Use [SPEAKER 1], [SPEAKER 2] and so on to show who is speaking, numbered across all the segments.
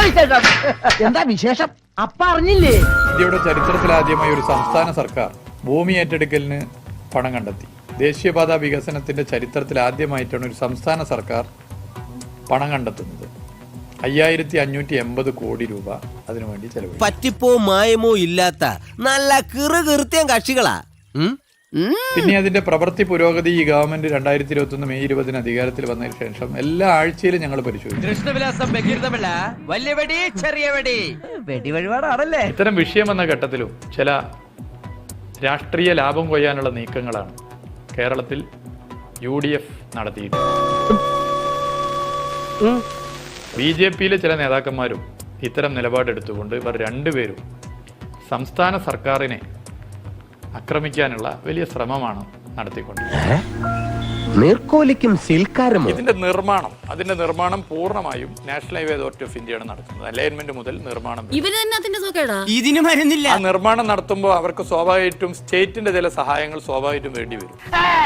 [SPEAKER 1] എന്താ വിശേഷം? അപ്പ അറിഞ്ഞില്ലേ?
[SPEAKER 2] ഇന്ത്യയുടെ ചരിത്രത്തിലാദ്യമായി ഒരു സംസ്ഥാന സർക്കാർ ഭൂമി ഏറ്റെടുക്കലിന് പണം കണ്ടെത്തി. ദേശീയപാത വികസനത്തിന്റെ ചരിത്രത്തിൽ ആദ്യമായിട്ടാണ് ഒരു സംസ്ഥാന സർക്കാർ പണം കണ്ടെത്തുന്നത്. 5580 കോടി രൂപ അതിനുവേണ്ടി ചെലവഴിച്ചു.
[SPEAKER 3] പറ്റിപ്പോ മായമോ ഇല്ലാത്ത നല്ല കീർത്തിയ കക്ഷികളാ.
[SPEAKER 2] പിന്നെ അതിന്റെ പ്രവൃത്തി പുരോഗതി ഈ ഗവൺമെന്റ് 2021 മെയ് 20 അധികാരത്തിൽ വന്നതിന് ശേഷം എല്ലാ ആഴ്ചയിലും ഞങ്ങൾ പരിശോധിച്ചു. ഇത്തരം വിഷയം എന്ന ഘട്ടത്തിലും ചില രാഷ്ട്രീയ ലാഭം കൊയ്യാനുള്ള നീക്കങ്ങളാണ് കേരളത്തിൽ UDF നടത്തിയിട്ടുള്ളത്. BJPയിലെ ചില നേതാക്കന്മാരും ഇത്തരം നിലപാടെടുത്തുകൊണ്ട് ഇവർ രണ്ടുപേരും സംസ്ഥാന സർക്കാരിനെ ആക്രമിക്കാനുള്ള വലിയ ശ്രമമാണ് നടത്തിക്കൊണ്ടിരിക്കുന്നത്. ഇതിന്റെ നിർമ്മാണം പൂർണ്ണമായും നാഷണൽ ഹൈവേ അതോറിറ്റി ഓഫ് ഇന്ത്യയാണ് നടത്തുന്നത്. അലൈൻമെന്റ് മുതൽ നിർമ്മാണം. ആ നിർമ്മാണം നടത്തുമ്പോൾ അവർക്ക് സ്വാഭാവികമായിട്ടും സ്റ്റേറ്റിന്റെ ചില സഹായങ്ങൾ സ്വാഭാവികമായിട്ടും വേണ്ടി വരും.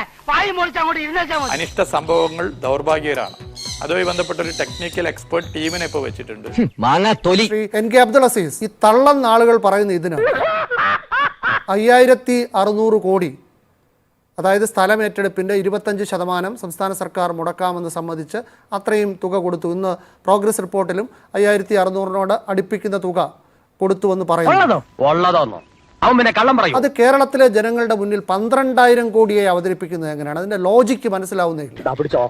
[SPEAKER 2] അനിഷ്ട സംഭവങ്ങൾ ദൗർഭാഗ്യകരാണ്. അതുമായി ബന്ധപ്പെട്ട ഒരു ടെക്നിക്കൽ എക്സ്പെർട്ട് ടീമിനെ ഇപ്പൊ വെച്ചിട്ടുണ്ട്.
[SPEAKER 4] NK അബ്ദുൾ അസീസ്, ഈ തള്ളൻ ആളുകൾ പറയുന്ന ഇതിനാണ് 5600 കോടി, അതായത് സ്ഥലം ഏറ്റെടുപ്പിൻ്റെ 25% സംസ്ഥാന സർക്കാർ മുടക്കാമെന്ന് സമ്മതിച്ച് അത്രയും തുക കൊടുത്തു. ഇന്ന് പ്രോഗ്രസ് റിപ്പോർട്ടിലും 5600 അടുപ്പിക്കുന്ന തുക കൊടുത്തുവെന്ന് പറയുന്നു. അത് കേരളത്തിലെ ജനങ്ങളുടെ മുന്നിൽ 12000 കോടിയെ അവതരിപ്പിക്കുന്നത് എങ്ങനെയാണ്? അതിന്റെ ലോജിക്ക് മനസ്സിലാവുന്നില്ല.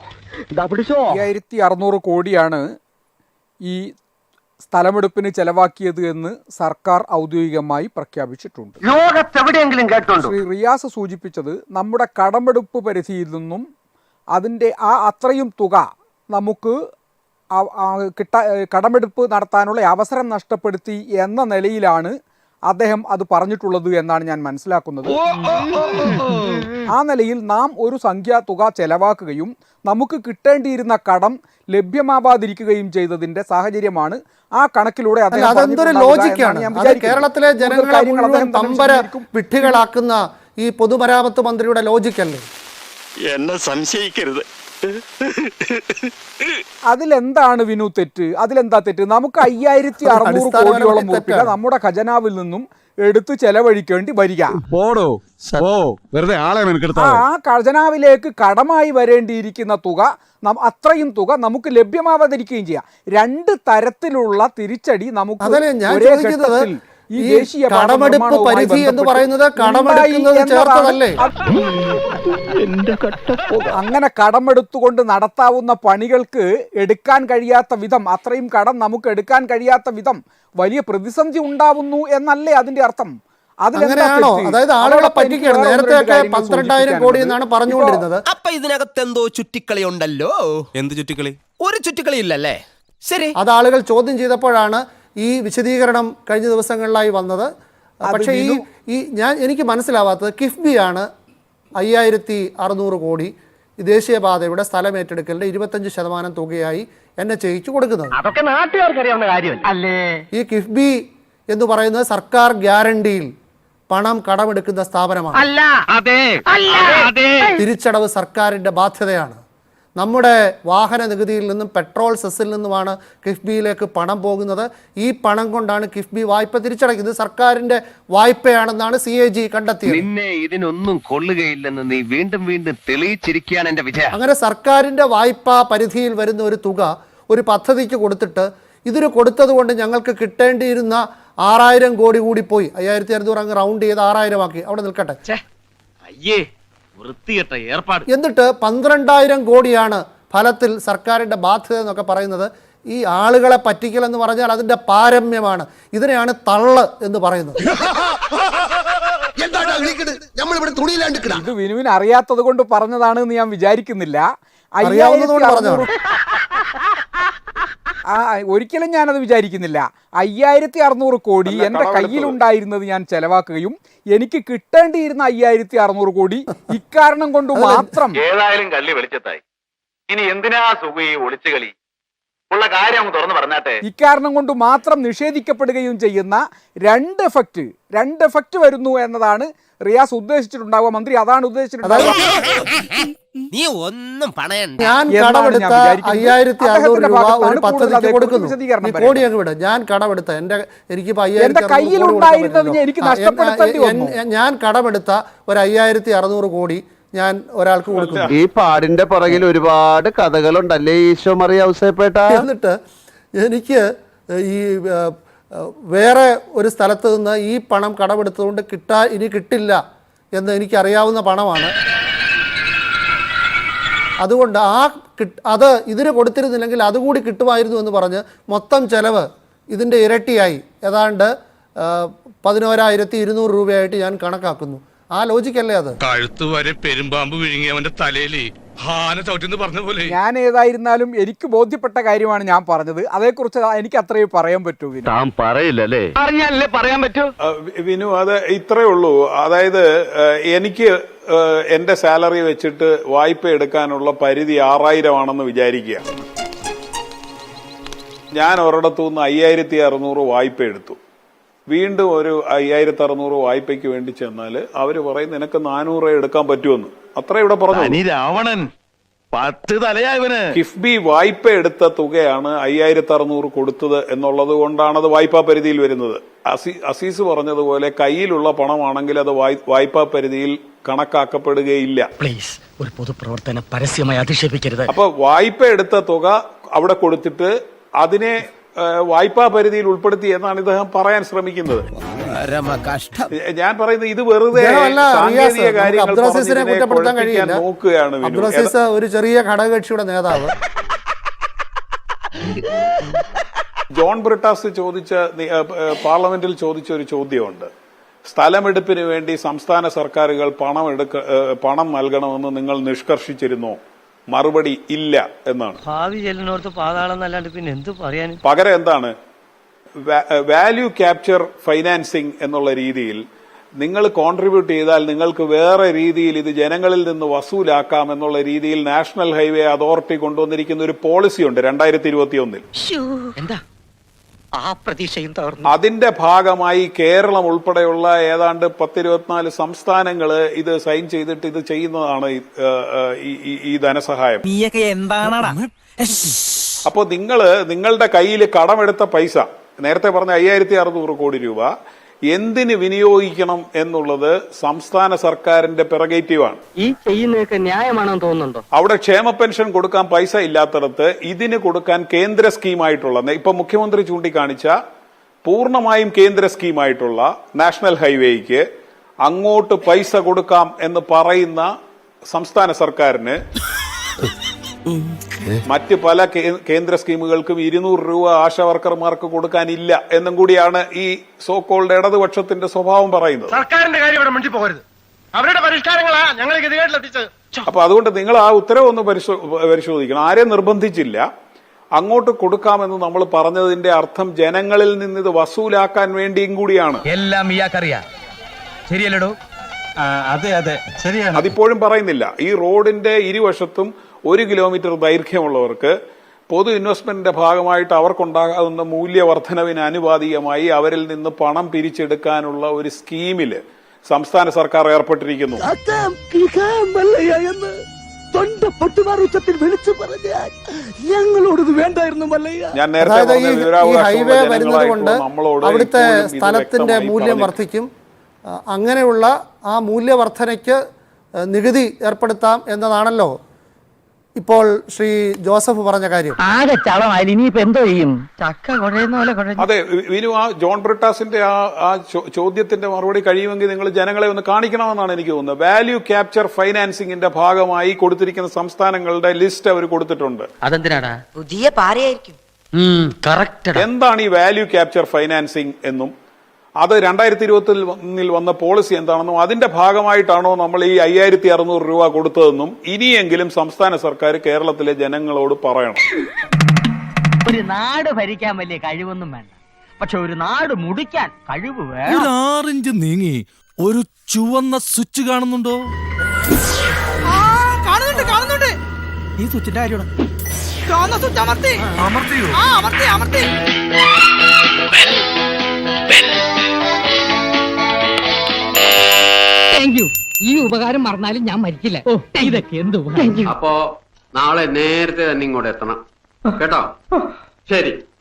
[SPEAKER 5] 5600 കോടിയാണ് ഈ സ്ഥലമെടുപ്പിന് ചെലവാക്കിയത് എന്ന് സർക്കാർ ഔദ്യോഗികമായി പ്രഖ്യാപിച്ചിട്ടുണ്ട്.
[SPEAKER 1] ലോകത്തെവിടെയെങ്കിലും കേട്ടുണ്ടോ?
[SPEAKER 5] ശ്രീ റിയാസ് സൂചിപ്പിച്ചത് നമ്മുടെ കടമെടുപ്പ് പരിധിയിൽ നിന്നും അതിൻ്റെ അത്രയും തുക നമുക്ക് കടമെടുപ്പ് നടത്താനുള്ള അവസരം നഷ്ടപ്പെടുത്തി എന്ന നിലയിലാണ് അദ്ദേഹം അത് പറഞ്ഞിട്ടുള്ളത് എന്നാണ് ഞാൻ മനസ്സിലാക്കുന്നത്. ആ നിലയിൽ നാം ഒരു സംഖ്യാതുക ചെലവാക്കുകയും നമുക്ക് കിട്ടേണ്ടിയിരുന്ന കടം ലഭ്യമാവാതിരിക്കുകയും ചെയ്തതിന്റെ സാഹചര്യമാണ് ആ കണക്കിലൂടെ
[SPEAKER 4] കേരളത്തിലെ ജനങ്ങളെ മുഴുവൻ പമ്പര വിഡ്ഢികളാക്കുന്ന ഈ പൊതുമരാമത്ത് മന്ത്രിയുടെ ലോജിക്കല്ലേ?
[SPEAKER 6] എന്നെ സംശയിക്കരുത്.
[SPEAKER 5] അതിലെന്താണ് വിനു തെറ്റ്? അതിലെന്താ തെറ്റ്? നമുക്ക് 5600 കോടിയോളം രൂപ നമ്മുടെ ഖജനാവിൽ നിന്നും എടുത്ത് ചെലവഴിക്കേണ്ടി വരിക. ആ ഖജനാവിലേക്ക് കടമായി വരേണ്ടിയിരിക്കുന്ന തുക, അത്രയും തുക നമുക്ക് ലഭ്യമാവാതിരിക്കുകയും ചെയ്യാം. രണ്ട് തരത്തിലുള്ള തിരിച്ചടി നമുക്ക് ഒരേ ഘട്ടത്തിൽ ഈ ദേശീയ
[SPEAKER 4] കടമെടുപ്പ് പരിധി എന്ന് പറയുന്നത്
[SPEAKER 5] അങ്ങനെ കടമെടുത്തുകൊണ്ട് നടത്താവുന്ന പണികൾക്ക് എടുക്കാൻ കഴിയാത്ത വിധം, അത്രയും കടം നമുക്ക് എടുക്കാൻ കഴിയാത്ത വിധം വലിയ പ്രതിസന്ധി ഉണ്ടാവുന്നു എന്നല്ലേ അതിന്റെ അർത്ഥം?
[SPEAKER 4] അങ്ങനെയാണോ? അതായത് ആളുകളെ പറ്റിക്കുകയാണ്. നേരത്തെ 12000 കോടി എന്നാണ് പറഞ്ഞുകൊണ്ടിരുന്നത്.
[SPEAKER 3] അപ്പൊ ഇതിനകത്ത് എന്തോ ചുറ്റിക്കളി ഉണ്ടല്ലോ. എന്ത് ചുറ്റിക്കളി? ഒരു ചുറ്റിക്കളി ഇല്ലല്ലേ? ശരി, അത്
[SPEAKER 4] ആളുകൾ ചോദ്യം ചെയ്തപ്പോഴാണ് ഈ വിശദീകരണം കഴിഞ്ഞ ദിവസങ്ങളിലായി വന്നത്. പക്ഷേ എനിക്ക് മനസ്സിലാവാത്തത് കിഫ്ബിയാണ് 5600 കോടി ദേശീയപാതയുടെ സ്ഥലം ഏറ്റെടുക്കലിന്റെ 25% തുകയായി NHAIക്ക് കൊടുക്കുന്നത്.
[SPEAKER 1] അതൊക്കെ നാട്ടുകാർക്ക് അറിയാവുന്ന കാര്യം അല്ലേ?
[SPEAKER 4] ഈ കിഫ്ബി എന്ന് പറയുന്നത് സർക്കാർ ഗ്യാരണ്ടിയിൽ പണം കടമെടുക്കുന്ന സ്ഥാപനമാണ്. തിരിച്ചടവ് സർക്കാരിന്റെ ബാധ്യതയാണ്. നമ്മുടെ വാഹന നികുതിയിൽ നിന്നും പെട്രോൾ സെസ്സിൽ നിന്നുമാണ് കിഫ്ബിയിലേക്ക് പണം പോകുന്നത്. ഈ പണം കൊണ്ടാണ് കിഫ്ബി വായ്പ തിരിച്ചടയ്ക്കുന്നത്. സർക്കാരിന്റെ വായ്പയാണെന്നാണ് CAG കണ്ടെത്തിയത്.
[SPEAKER 7] നിന്നെ ഇതിനൊന്നും കൊള്ളുകയില്ലെന്ന് നീ വീണ്ടും വീണ്ടും തെളിയിച്ചിരിക്കുകയാണ് എന്റെ വിജയം.
[SPEAKER 4] അങ്ങനെ സർക്കാരിന്റെ വായ്പാ പരിധിയിൽ വരുന്ന ഒരു തുക ഒരു പദ്ധതിക്ക് കൊടുത്തിട്ട് ഇതിന് കൊടുത്തത് കൊണ്ട് ഞങ്ങൾക്ക് കിട്ടേണ്ടിയിരുന്ന 6000 കോടി കൂടി പോയി. 5600 അങ്ങ് റൗണ്ട് ചെയ്ത് 6000 ആക്കി. അവിടെ നിൽക്കട്ടെ. എന്നിട്ട് 12000 കോടിയാണ് ഫലത്തിൽ സർക്കാരിന്റെ ബാധ്യത എന്നൊക്കെ പറയുന്നത്. ഈ ആളുകളെ പറ്റിക്കൽ എന്ന് പറഞ്ഞാൽ അതിന്റെ പാരമ്യമാണ്. ഇതിനെയാണ് തള്ള് എന്ന് പറയുന്നത്.
[SPEAKER 5] ഇത് വിനുവിന് അറിയാത്തത് കൊണ്ട് പറഞ്ഞതാണെന്ന് ഞാൻ വിചാരിക്കുന്നില്ല. ഒരിക്കലും ഞാനത് വിചാരിക്കുന്നില്ല. 5600 കോടി എൻ്റെ കയ്യിലുണ്ടായിരുന്നത് ഞാൻ ചെലവാക്കുകയും എനിക്ക് കിട്ടേണ്ടിയിരുന്ന 5600 കോടി ഇക്കാരണം കൊണ്ട് മാത്രം.
[SPEAKER 6] ഏതായാലും കള്ളി വെളിച്ചത്തായി. ഇനി എന്തിനാ സുഖി ഒളിച്ചു കളി? ഉള്ള കാര്യം തുറന്നു പറഞ്ഞാട്ടെ.
[SPEAKER 5] ഇക്കാരണം കൊണ്ട് മാത്രം നിഷേധിക്കപ്പെടുകയും ചെയ്യുന്ന രണ്ട് എഫക്റ്റ് വരുന്നു എന്നതാണ് റിയാസ് ഉദ്ദേശിച്ചിട്ടുണ്ടാവുക, മന്ത്രി അതാണ് ഉദ്ദേശിച്ചിട്ടുണ്ടാവുക.
[SPEAKER 3] നീ ഒന്നും പണയണ്ട.
[SPEAKER 4] ഞാൻ
[SPEAKER 5] എന്നാണ്
[SPEAKER 4] കടമെടുത്ത
[SPEAKER 5] ഞാൻ വിചാരിക്കുന്നത്.
[SPEAKER 4] 5600 രൂപ
[SPEAKER 5] അദ്ദേഹത്തിന്റെ
[SPEAKER 4] ഒരു പദ്ധതിക്ക്
[SPEAKER 5] ഭാഗത്താണ്
[SPEAKER 4] കൊടുക്കുന്നു.
[SPEAKER 5] വിശദീകരണം
[SPEAKER 4] ഈ കോടി അങ്ങ് വിട്. ഞാൻ കടമെടുത്ത എനിക്കിപ്പോ
[SPEAKER 5] എന്റെ കയ്യിലുണ്ടായിരുന്നതിനെ എനിക്ക് നഷ്ടപ്പെടുത്തേണ്ടി വന്നു.
[SPEAKER 4] ഞാൻ കടമെടുത്ത ഒരു 5600 കോടി ഞാൻ ഒരാൾക്ക് കൊടുക്കുന്നു.
[SPEAKER 1] ഈ പാടിന്റെ പുറകിൽ ഒരുപാട് കഥകളുണ്ടല്ലേ ഈശോ മറിയ ഔസേപ്പേട്ട.
[SPEAKER 4] എന്നിട്ട് എനിക്ക് ഈ വേറെ ഒരു സ്ഥലത്ത് നിന്ന് ഈ പണം കടമെടുത്തതുകൊണ്ട് ഇനി കിട്ടില്ല എന്ന് എനിക്കറിയാവുന്ന പണമാണ്. അതുകൊണ്ട് അത് ഇതിന് കൊടുത്തിരുന്നില്ലെങ്കിൽ അതുകൂടി കിട്ടുമായിരുന്നു എന്ന് പറഞ്ഞ് മൊത്തം ചെലവ് ഇതിൻ്റെ ഇരട്ടിയായി ഏതാണ്ട് 11,200 രൂപയായിട്ട് ഞാൻ കണക്കാക്കുന്നു. ആ ലോജിക്കല്ലേ അത്?
[SPEAKER 8] കഴുത്ത് വരെ പെരുമ്പാമ്പ് വിഴുങ്ങി അവന്റെ തലയില് ഹാന ചവിട്ടിന്ന് പറഞ്ഞ പോലെ.
[SPEAKER 5] ഞാൻ ഏതായിരുന്നാലും എനിക്ക് ബോധ്യപ്പെട്ട കാര്യമാണ് ഞാൻ പറഞ്ഞത്. അതേക്കുറിച്ച് എനിക്ക് അത്രയും പറയാൻ പറ്റൂ.
[SPEAKER 6] താൻ പറയില്ലല്ലേ?
[SPEAKER 1] അറിഞ്ഞാലല്ലേ പറയാൻ പറ്റൂ.
[SPEAKER 9] വിനു, അത് ഇത്രേ ഉള്ളൂ. അതായത് എനിക്ക് എന്റെ സാലറി വെച്ചിട്ട് വായ്പ എടുക്കാനുള്ള പരിധി 6000 ആണെന്ന് വിചാരിക്കുക. ഞാൻ ഒരിടത്തുനിന്ന് 5600 വായ്പ എടുത്തു. വീണ്ടും ഒരു 5600 വായ്പയ്ക്ക് വേണ്ടി ചെന്നാൽ അവര് പറയും നിനക്ക് 400 എടുക്കാൻ പറ്റുമെന്ന്. അത്ര ഇവിടെ പറഞ്ഞു.
[SPEAKER 6] രാവണൻ 10 തലയായവന്.
[SPEAKER 9] കിഫ്ബി വായ്പ എടുത്ത തുകയാണ് 5600 കൊടുത്തത് എന്നുള്ളത് കൊണ്ടാണ് അത് വായ്പാ പരിധിയിൽ വരുന്നത്. അസീസ് പറഞ്ഞതുപോലെ കയ്യിലുള്ള പണമാണെങ്കിൽ അത് വായ്പാ പരിധിയിൽ കണക്കാക്കപ്പെടുകയില്ല.
[SPEAKER 1] പ്ലീസ്, ഒരു പൊതുപ്രവർത്തനം പരസ്യമായി അധിക്ഷേപിക്കരുത്.
[SPEAKER 9] അപ്പൊ വായ്പ എടുത്ത തുക അവിടെ കൊടുത്തിട്ട് അതിനെ വായ്പാ പരിധിയിൽ ഉൾപ്പെടുത്തി എന്നാണ് ഇദ്ദേഹം പറയാൻ ശ്രമിക്കുന്നത്. ഞാൻ പറയുന്നത് ഇത് വെറുതെ സാങ്കേതിക കാര്യങ്ങൾ നോക്കുകയാണ്.
[SPEAKER 4] അബ്ദുൽ അസീസ് ഒരു ചെറിയ ഘടകകക്ഷിയുടെ നേതാവ്.
[SPEAKER 9] ജോൺ ബ്രിട്ടാസ് പാർലമെന്റിൽ ചോദിച്ച ഒരു ചോദ്യമുണ്ട്. സ്ഥലമെടുപ്പിന് വേണ്ടി സംസ്ഥാന സർക്കാരുകൾ പണം നൽകണമെന്ന് നിങ്ങൾ നിഷ്കർഷിച്ചിരുന്നോ? മറുപടി ഇല്ല എന്നാണ്.
[SPEAKER 1] ഭാവി ചെല്ലിനോർത്ത് പാതാളം നല്ലാണ്ട് പിന്നെ എന്ത് പറയാൻ.
[SPEAKER 9] പകരം എന്താണ് വാല്യൂ ക്യാപ്ചർ ഫൈനാൻസിങ് എന്നുള്ള രീതിയിൽ നിങ്ങൾ കോൺട്രിബ്യൂട്ട് ചെയ്താൽ നിങ്ങൾക്ക് വേറെ രീതിയിൽ ഇത് ജനങ്ങളിൽ നിന്ന് വസൂലാക്കാം എന്നുള്ള രീതിയിൽ നാഷണൽ ഹൈവേ അതോറിറ്റി കൊണ്ടുവന്നിരിക്കുന്ന ഒരു പോളിസിയുണ്ട് 2021.
[SPEAKER 1] എന്താ ആ പ്രതീക്ഷയും തകർന്നു.
[SPEAKER 9] അതിന്റെ ഭാഗമായി കേരളം ഉൾപ്പെടെയുള്ള ഏതാണ്ട് 10-24 സംസ്ഥാനങ്ങള് ഇത് സൈൻ ചെയ്തിട്ട് ഇത് ചെയ്യുന്നതാണ് ഈ ധനസഹായം. അപ്പോ നിങ്ങളുടെ കയ്യിൽ കടമെടുത്ത പൈസ, നേരത്തെ പറഞ്ഞ 5600 കോടി രൂപ എന്തിന് വിനിയോഗിക്കണം എന്നുള്ളത് സംസ്ഥാന സർക്കാരിന്റെ പെറഗേറ്റീവാണ്.
[SPEAKER 1] ഈ ചെയ്യുന്നതൊക്കെ ന്യായമാണെന്ന് തോന്നുന്നുണ്ടോ?
[SPEAKER 9] അവിടെ ക്ഷേമ പെൻഷൻ കൊടുക്കാൻ പൈസ ഇല്ലാത്തടത്ത് ഇതിന് കൊടുക്കാൻ കേന്ദ്ര സ്കീമായിട്ടുള്ള, ഇപ്പൊ മുഖ്യമന്ത്രി ചൂണ്ടിക്കാണിച്ച പൂർണ്ണമായും കേന്ദ്ര സ്കീമായിട്ടുള്ള നാഷണൽ ഹൈവേക്ക് അങ്ങോട്ട് പൈസ കൊടുക്കാം എന്ന് പറയുന്ന സംസ്ഥാന സർക്കാരിന് മറ്റ് പല കേന്ദ്ര സ്കീമുകൾക്കും 200 രൂപ ആശാ വർക്കർമാർക്ക് കൊടുക്കാനില്ല എന്നും കൂടിയാണ് ഈ സോക്കോൾഡ് ഇടതുപക്ഷത്തിന്റെ സ്വഭാവം പറയുന്നത്.
[SPEAKER 1] സർക്കാരിന്റെ കാര്യം ഇവിടെ മിണ്ടി പോകരുത്. അവരുടെ പരിഷ്കാരങ്ങളാ ഞങ്ങൾ ഗതികേട്ടിലെത്തിച്ചത്.
[SPEAKER 9] അപ്പൊ അതുകൊണ്ട് നിങ്ങൾ ആ ഉത്തരവൊന്ന് പരിശോധിക്കണം. ആരെയും നിർബന്ധിച്ചില്ല. അങ്ങോട്ട് കൊടുക്കാമെന്ന് നമ്മൾ പറഞ്ഞതിന്റെ അർത്ഥം ജനങ്ങളിൽ നിന്ന് ഇത് വസൂലാക്കാൻ വേണ്ടിയും കൂടിയാണ്.
[SPEAKER 1] എല്ലാം ഇയാൾക്കറിയാം. ശരിയല്ലടോ? അതെ അതെ ശരിയാണ്.
[SPEAKER 9] അതിപ്പോഴും പറയുന്നില്ല. ഈ റോഡിന്റെ ഇരുവശത്തും 1 കിലോമീറ്റർ ദൈർഘ്യമുള്ളവർക്ക് പൊതു ഇൻവെസ്റ്റ്മെന്റിന്റെ ഭാഗമായിട്ട് അവർക്കുണ്ടാകുന്ന മൂല്യവർദ്ധനവിന് അനുപാതികമായി അവരിൽ നിന്ന് പണം പിരിച്ചെടുക്കാനുള്ള ഒരു സ്കീമില് സംസ്ഥാന സർക്കാർ ഏർപ്പെട്ടിരിക്കുന്നു. ഞാൻ നേരത്തെ
[SPEAKER 4] ഹൈവേ വരുന്നത് കൊണ്ട് അവിടുത്തെ സ്ഥലത്തിന്റെ മൂല്യം വർദ്ധിക്കും. അങ്ങനെയുള്ള ആ മൂല്യവർദ്ധനയ്ക്ക് നികുതി ഏർപ്പെടുത്താം എന്നതാണല്ലോ ഇപ്പോൾ ശ്രീ ജോസഫ് പറഞ്ഞ കാര്യം.
[SPEAKER 1] ആകെ ചളമായി. ഇനിയിപ്പോ എന്തോ ചെയ്യും? ചക്ക കുഴയുന്ന പോലെ കുഴഞ്ഞു.
[SPEAKER 9] അതെ വിനു, ആ ജോൺ ബ്രിട്ടാസിന്റെ ആ ചോദ്യത്തിന്റെ മറുപടി കഴിയുമെങ്കിൽ നിങ്ങൾ ജനങ്ങളെ ഒന്ന് കാണിക്കണമെന്നാണ് എനിക്ക് തോന്നുന്നത്. വാല്യൂ ക്യാപ്ചർ ഫൈനാൻസിംഗിന്റെ ഭാഗമായി കൊടുത്തിരിക്കുന്ന സംസ്ഥാനങ്ങളുടെ ലിസ്റ്റ് അവർ കൊടുത്തിട്ടുണ്ട്.
[SPEAKER 1] അതെന്തിനാടാ?
[SPEAKER 10] പുതിയ പാരയായിരിക്കും.
[SPEAKER 9] എന്താണ് ഈ വാല്യൂ ക്യാപ്ചർ ഫൈനാൻസിംഗ് എന്നും അത് 2021 വന്ന പോളിസി എന്താണെന്നും അതിന്റെ ഭാഗമായിട്ടാണോ നമ്മൾ ഈ 5600 രൂപ കൊടുത്തതെന്നും ഇനിയെങ്കിലും സംസ്ഥാന സർക്കാർ കേരളത്തിലെ ജനങ്ങളോട് പറയണം.
[SPEAKER 1] ഒരു നാട് ഭരിക്കാൻ വലിയ കഴിവൊന്നും വേണ്ട, പക്ഷെ ഒരു നാട് മുടിക്കാൻ കഴിവ് വേണം.
[SPEAKER 8] ഒരു 6 ഇഞ്ച് നീങ്ങി ഒരു ചുവന്ന സ്വിച്ച് കാണുന്നുണ്ടോ?
[SPEAKER 10] കാണുന്നുണ്ട്.
[SPEAKER 8] ഈ സ്വിച്ചിന്റെ കാര്യമാണ്.
[SPEAKER 10] അമർത്തിയോ?
[SPEAKER 1] Thank you. ഈ ഉപകാരം മറന്നാലും ഞാൻ മരിക്കില്ല. ഇതൊക്കെ എന്ത്
[SPEAKER 6] അപ്പോ നാളെ നേരത്തെ തന്നെ ഇങ്ങോട്ട് എത്തണം കേട്ടോ. ശരി.